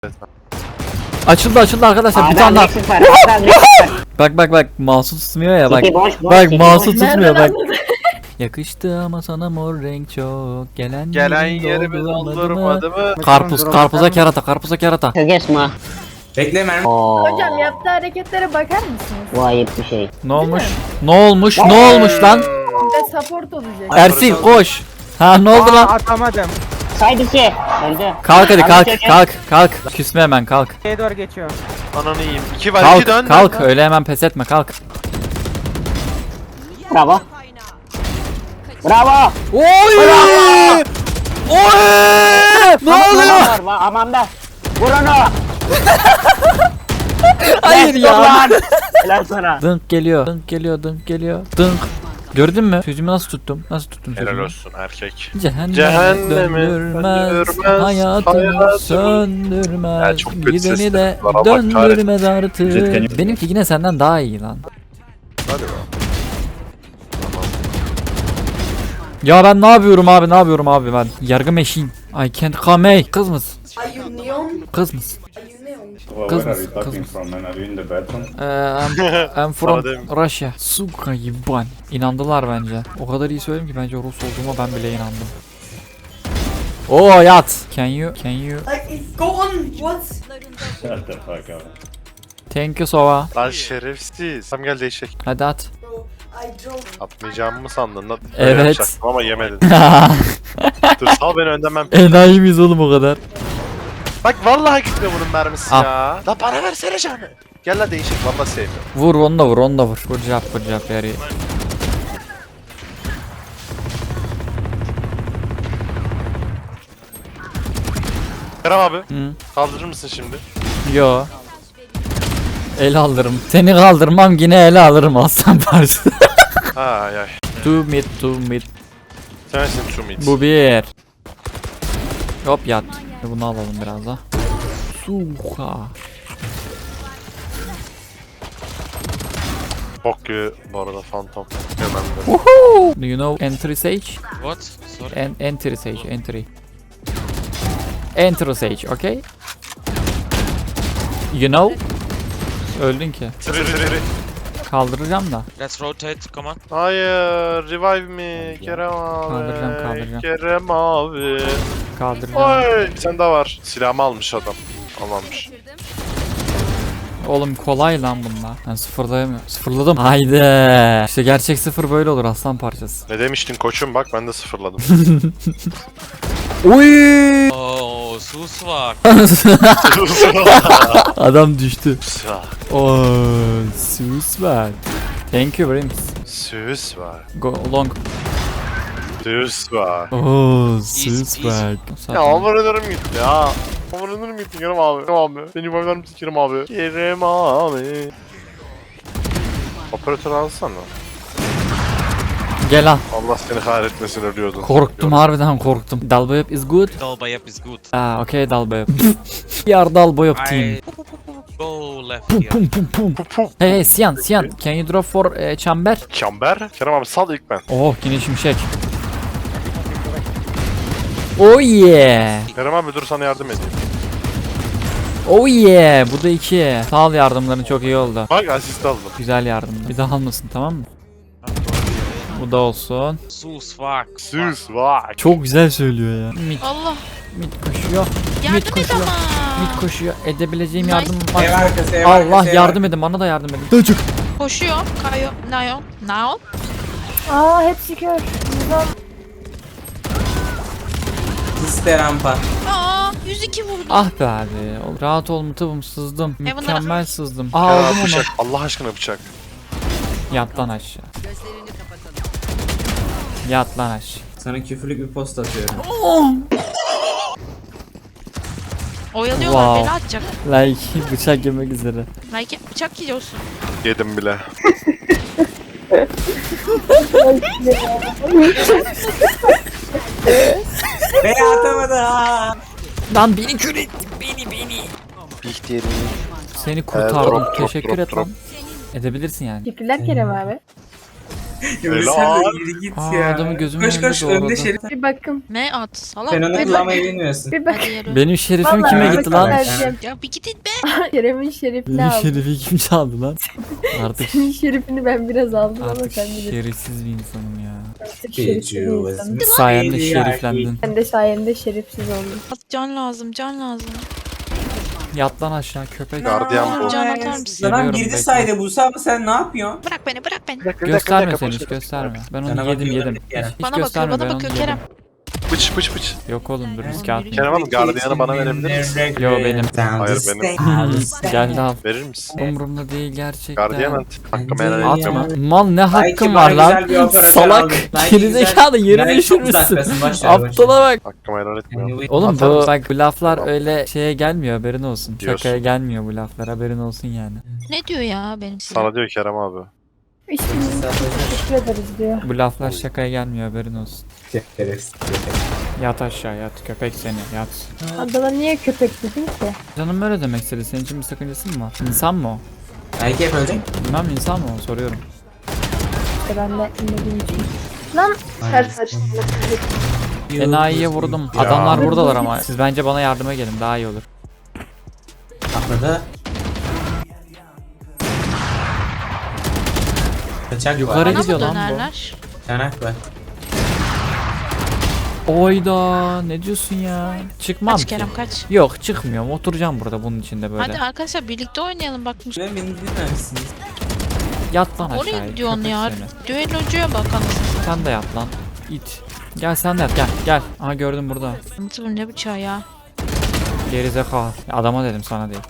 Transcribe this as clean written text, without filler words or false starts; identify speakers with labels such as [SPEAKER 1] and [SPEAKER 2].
[SPEAKER 1] Açıldı arkadaşlar bir tane daha. Bak mouse'u tutmuyor ya bak. Bak mouse'u tutmuyor bak. Yakıştı ama sana mor renk çok. Gelen
[SPEAKER 2] yerimi doldurmadı mı?
[SPEAKER 1] Karpuza kerata.
[SPEAKER 3] Kesme.
[SPEAKER 4] Bekle mermi.
[SPEAKER 5] Hocam yaptığı hareketlere bakar mısınız?
[SPEAKER 3] Bu ayıp bir şey.
[SPEAKER 1] Ne olmuş lan?
[SPEAKER 5] Bir de support olacak.
[SPEAKER 1] Ersin koş. Ha ne oldu lan?
[SPEAKER 4] Atamadım.
[SPEAKER 3] Saydı şey. Öldü.
[SPEAKER 1] Kalk hadi kalk. Küsme hemen kalk.
[SPEAKER 4] Şeye doğru geçiyor.
[SPEAKER 2] Ananı yiyeyim. 2 var 2 dön.
[SPEAKER 1] Kalk öyle hemen pes etme kalk.
[SPEAKER 3] Bravo. Bravo.
[SPEAKER 1] Oy! Ne oluyor?
[SPEAKER 3] Aman da. Vur onu.
[SPEAKER 1] Hayır ya.
[SPEAKER 3] Helal sana.
[SPEAKER 1] Dınk geliyor. Dınk. Gördün mü? Sözümü nasıl tuttum?
[SPEAKER 2] Helal
[SPEAKER 1] sözümü?
[SPEAKER 2] olsun erkek.
[SPEAKER 1] Cehenneme
[SPEAKER 2] Cehenneme
[SPEAKER 1] döndürmez,
[SPEAKER 2] döndürmez,
[SPEAKER 1] hayatını
[SPEAKER 2] hayatını
[SPEAKER 1] söndürmez,
[SPEAKER 2] Ya çok kötü
[SPEAKER 1] gideni
[SPEAKER 2] sesler
[SPEAKER 1] de
[SPEAKER 2] var, Allah
[SPEAKER 1] döndürmez artık. Benimki yine senden daha iyi lan.
[SPEAKER 2] Hadi be.
[SPEAKER 1] Ya ben ne yapıyorum abi ben? Yargı meşin. I can't come. Kız mısın?
[SPEAKER 5] Are you neon?
[SPEAKER 1] Kız mısın?
[SPEAKER 5] Are you neon?
[SPEAKER 6] Well,
[SPEAKER 1] Kız
[SPEAKER 6] where are
[SPEAKER 1] mısın?
[SPEAKER 6] you
[SPEAKER 1] Kız
[SPEAKER 6] talking
[SPEAKER 1] mısın?
[SPEAKER 6] from, man? Are you in the bathroom?
[SPEAKER 1] I'm from
[SPEAKER 2] Adem.
[SPEAKER 1] Russia. Suka yiban. İnandılar bence. O kadar iyi söyledim ki bence Rus olduğuma ben bile inandım. Oo yat. Can you?
[SPEAKER 5] Like, go on. What?
[SPEAKER 6] Shut the fuck up.
[SPEAKER 1] Thank you Sova.
[SPEAKER 2] Lan şerefsiz. Tam gel değişik.
[SPEAKER 1] Hadi at.
[SPEAKER 5] Bro, I drove.
[SPEAKER 2] Atmayacağımı mı sandın lan?
[SPEAKER 1] Evet.
[SPEAKER 2] Öyle yapacaktım ama yemedin. Dur sal beni önden ben.
[SPEAKER 1] Enayi miyiz oğlum o kadar?
[SPEAKER 2] Bak vallahi gitmiyor bunun mermisi
[SPEAKER 1] Al.
[SPEAKER 2] ya. La bana versene canı. Gel la değişik vallahi sevmiyorum.
[SPEAKER 1] Vur onu da vur. Good job very.
[SPEAKER 2] Kerem abi
[SPEAKER 1] Hı.
[SPEAKER 2] kaldırır mısın şimdi?
[SPEAKER 1] Yo. El alırım. Seni kaldırmam yine ele alırım aslan parçası.
[SPEAKER 2] Ay.
[SPEAKER 1] Two mid.
[SPEAKER 2] Sensin two mid.
[SPEAKER 1] Bu bir. Hop yat. Bunu alalım biraz da. Suha.
[SPEAKER 2] Bok gibi bu arada Phantom. Hemen de.
[SPEAKER 1] Woohoo! Do you know entry sage?
[SPEAKER 7] What? Sorry.
[SPEAKER 1] Entry sage, entry. Entry sage, okay? You know? Öldün ki.
[SPEAKER 2] Tırı.
[SPEAKER 1] Kaldıracağım da.
[SPEAKER 7] Let's rotate. Come on.
[SPEAKER 2] Hayır, revive me Kerem abi.
[SPEAKER 1] Kaldıracağım.
[SPEAKER 2] Kerem abi.
[SPEAKER 1] Kaldıracağım.
[SPEAKER 2] Oy, bir tane daha var. Silahımı almış adam. Almamış.
[SPEAKER 1] Oğlum kolay lan bunlar. Ben sıfırlayamıyorum. Sıfırladım. Haydi. İşte gerçek sıfır böyle olur aslan parçası.
[SPEAKER 2] Ne demiştin koçum bak ben de sıfırladım.
[SPEAKER 1] Uy!
[SPEAKER 7] Oh, sus var.
[SPEAKER 1] Adam düştü.
[SPEAKER 2] Süs
[SPEAKER 1] Oh, sus var. Thank you very much.
[SPEAKER 2] Süs var.
[SPEAKER 1] Go long.
[SPEAKER 2] Süs var.
[SPEAKER 1] Oh,
[SPEAKER 7] Easy
[SPEAKER 1] sus
[SPEAKER 7] peasy.
[SPEAKER 1] var.
[SPEAKER 2] Ya amanlarım gitti ya. Amanlarım gitti Kerem abi. Kerem abi. Beni baylar mısın Kerem abi? Kerem abi. Operatör alsana.
[SPEAKER 1] Gel al.
[SPEAKER 2] Allah seni kahretmesin ölüyordun.
[SPEAKER 1] Korktum harbiden korktum. Dalbayıp is good.
[SPEAKER 7] Dalbayap is good.
[SPEAKER 1] Ah, okay Dalbayıp. Yar Dalbayıp team.
[SPEAKER 7] I go left here.
[SPEAKER 1] Pum. Hey Sian, can you drop for chamber?
[SPEAKER 2] Çember. Kerem abi sal ilk ben.
[SPEAKER 1] Oh, yine şimşek. Oh yeah.
[SPEAKER 2] Kerem abi dur sana yardım edeyim.
[SPEAKER 1] Oh yeah. Bu da 2. Sağ ol yardımların çok iyi oldu.
[SPEAKER 2] Bak asist aldım.
[SPEAKER 1] Güzel yardımdı. Bir daha almasın tamam mı? Bu da olsun.
[SPEAKER 7] Sus fuck.
[SPEAKER 2] Süs var.
[SPEAKER 1] Çok güzel söylüyor ya. Mid
[SPEAKER 8] Allah
[SPEAKER 1] koşuyor.
[SPEAKER 8] yardım et
[SPEAKER 1] koşuyor.
[SPEAKER 8] ama.
[SPEAKER 1] Mid koşuyor. Edebileceğim
[SPEAKER 8] Nice.
[SPEAKER 1] yardım
[SPEAKER 4] Ev
[SPEAKER 1] var.
[SPEAKER 4] arkası, ev
[SPEAKER 1] Allah
[SPEAKER 4] arkası, ev
[SPEAKER 1] yardım edin. Bana da yardım edin. Döcük.
[SPEAKER 8] Koşuyor. Kayo. Nayon. Nayon.
[SPEAKER 5] Aa hepsi kör. Yüzden
[SPEAKER 4] Siste rampa.
[SPEAKER 8] Aa 102 vurdu.
[SPEAKER 1] Ah be abi. Rahat ol mutabım sızdım.
[SPEAKER 8] bunlara-
[SPEAKER 1] Mükemmel sızdım.
[SPEAKER 2] Kerem
[SPEAKER 1] Aldım
[SPEAKER 2] abi
[SPEAKER 1] onu.
[SPEAKER 2] bıçak. Allah aşkına bıçak.
[SPEAKER 1] Yat lan aşağı. Yat lan aşağı.
[SPEAKER 4] Sana küfürlük bir post atıyorum.
[SPEAKER 8] Oyalıyorlar.
[SPEAKER 1] Wow.
[SPEAKER 8] Bela atacak.
[SPEAKER 1] Like bıçak yemek üzere.
[SPEAKER 8] Belki bıçak yiyorsun.
[SPEAKER 2] Yedim bile.
[SPEAKER 4] Beni atamadı ha.
[SPEAKER 1] Lan beni kör ettin. Beni.
[SPEAKER 2] Bihter'in.
[SPEAKER 1] Seni kurtardım.
[SPEAKER 2] drop,
[SPEAKER 1] Teşekkür
[SPEAKER 2] drop,
[SPEAKER 1] et
[SPEAKER 2] drop.
[SPEAKER 1] lan. Edebilirsin yani.
[SPEAKER 5] teşekkürler Kerem abi.
[SPEAKER 4] Yürü sen de yürü git
[SPEAKER 1] Aa,
[SPEAKER 4] ya.
[SPEAKER 1] adamı gözümün
[SPEAKER 4] Koş
[SPEAKER 1] önünde
[SPEAKER 4] koş
[SPEAKER 1] doğradı.
[SPEAKER 4] önde Şerif.
[SPEAKER 5] Bir bakın.
[SPEAKER 8] Ne at salak.
[SPEAKER 4] Sen onu
[SPEAKER 8] Hadi
[SPEAKER 4] kullanmayı bilmiyorsun.
[SPEAKER 5] Bir bak.
[SPEAKER 8] yürü.
[SPEAKER 1] Benim şerifim
[SPEAKER 5] Vallahi
[SPEAKER 1] kime
[SPEAKER 5] bir
[SPEAKER 1] gitti
[SPEAKER 5] bakın
[SPEAKER 1] lan?
[SPEAKER 5] vereceğim.
[SPEAKER 8] Ya bir gidin be.
[SPEAKER 5] Kerem'in şerifini
[SPEAKER 1] Benim
[SPEAKER 5] aldım.
[SPEAKER 1] şerifi kim çaldı lan? Artık
[SPEAKER 5] Senin şerifini ben biraz aldım ama
[SPEAKER 1] artık
[SPEAKER 5] sen bilirsin.
[SPEAKER 1] şerefsiz bir insanım ya.
[SPEAKER 5] Artık şerefsiz bir insanım.
[SPEAKER 1] Sayemde şeriflendin.
[SPEAKER 5] Ben de sayende şerefsiz oldum.
[SPEAKER 8] At, can lazım can lazım.
[SPEAKER 1] Yat lan aşağı köpek.
[SPEAKER 2] Gardiyan bu.
[SPEAKER 8] Can atar mısın?
[SPEAKER 4] Adam
[SPEAKER 1] Geliyorum,
[SPEAKER 4] girdi
[SPEAKER 1] bekle.
[SPEAKER 4] sayda Buse ama sen ne yapıyorsun?
[SPEAKER 8] Bırak beni bırak beni.
[SPEAKER 1] Gösterme sen hiç gösterme. Ben
[SPEAKER 4] Sana
[SPEAKER 1] onu yedim
[SPEAKER 4] bakıyor
[SPEAKER 1] yedim.
[SPEAKER 4] Kerem.
[SPEAKER 1] Hiç
[SPEAKER 8] Bana bakıyor
[SPEAKER 1] gösterme ben
[SPEAKER 8] bana
[SPEAKER 1] onu
[SPEAKER 8] bakıyor
[SPEAKER 1] yedim.
[SPEAKER 8] Kerem.
[SPEAKER 2] Bıç bıç bıç.
[SPEAKER 1] Yok oğlum dur risk atmayayım.
[SPEAKER 2] Kerem Hanım gardiyanı bana verebilir misin?
[SPEAKER 1] Yo, benim.
[SPEAKER 2] Hayır, benim.
[SPEAKER 1] Gel al.
[SPEAKER 2] Verir misin?
[SPEAKER 1] Umurumda değil gerçekten.
[SPEAKER 2] Gardiyan at. Hakkımı helal
[SPEAKER 4] Atma.
[SPEAKER 2] etmiyorum.
[SPEAKER 1] Atma. Mal ne hakkın
[SPEAKER 4] bana
[SPEAKER 1] var lan?
[SPEAKER 4] güzel bir operatör
[SPEAKER 1] Salak.
[SPEAKER 4] aldım. Belki
[SPEAKER 1] Gerizekalı
[SPEAKER 4] güzel-
[SPEAKER 1] yerine
[SPEAKER 4] Belki çok
[SPEAKER 1] düşürmüşsün.
[SPEAKER 4] uzaktasın, boş ver, boş ver.
[SPEAKER 1] Aptala bak.
[SPEAKER 2] Hakkımı helal etmiyorum.
[SPEAKER 1] Oğlum
[SPEAKER 4] Atar
[SPEAKER 1] bu
[SPEAKER 4] mısın?
[SPEAKER 1] bak bu laflar öyle şeye gelmiyor haberin olsun.
[SPEAKER 2] Diyorsun.
[SPEAKER 1] Şakaya gelmiyor bu laflar haberin olsun yani.
[SPEAKER 8] Ne diyor ya benim size?
[SPEAKER 2] Sana diyor Kerem abi.
[SPEAKER 5] İşimizi teşekkür ederiz diyor.
[SPEAKER 1] Bu laflar şakaya gelmiyor haberin olsun.
[SPEAKER 4] Şerefsiz.
[SPEAKER 1] Yat aşağı yat köpek seni yat.
[SPEAKER 5] Adana niye köpek dedin ki?
[SPEAKER 1] Canım böyle demek istedi. Senin için bir sakıncası mı var? İnsan mı o?
[SPEAKER 4] Belki hep ölecek.
[SPEAKER 1] Bilmem insan mı o soruyorum.
[SPEAKER 5] İşte ben de bilmediğim için. Lan her saçma.
[SPEAKER 1] Enayi'ye vurdum.
[SPEAKER 2] Ya.
[SPEAKER 1] Adamlar buradalar ama. Siz bence bana yardıma gelin daha iyi olur.
[SPEAKER 4] Atladı. Kaçak
[SPEAKER 1] Yukarı
[SPEAKER 4] var.
[SPEAKER 8] Bana mı
[SPEAKER 1] gidiyor lan bu.
[SPEAKER 8] dönerler?
[SPEAKER 4] Çanak var.
[SPEAKER 1] Oyda ne diyorsun ya? Çıkmam
[SPEAKER 8] Kaç
[SPEAKER 1] ki.
[SPEAKER 8] Kerem kaç.
[SPEAKER 1] Yok çıkmıyorum. Oturacağım burada bunun içinde böyle.
[SPEAKER 8] Hadi arkadaşlar birlikte oynayalım bak.
[SPEAKER 4] Beni dinlememişsiniz.
[SPEAKER 1] Yat lan aşağıya.
[SPEAKER 8] Oraya gidiyorsun
[SPEAKER 1] köpek
[SPEAKER 8] ya.
[SPEAKER 1] seni.
[SPEAKER 8] Düellocuya bak anasını.
[SPEAKER 1] Sen de yat lan. İt. Gel sen de yat gel gel. Aha gördüm burada.
[SPEAKER 8] Anlatılır ne bıçağı ya.
[SPEAKER 1] Gerizekalı. Adama dedim sana değil.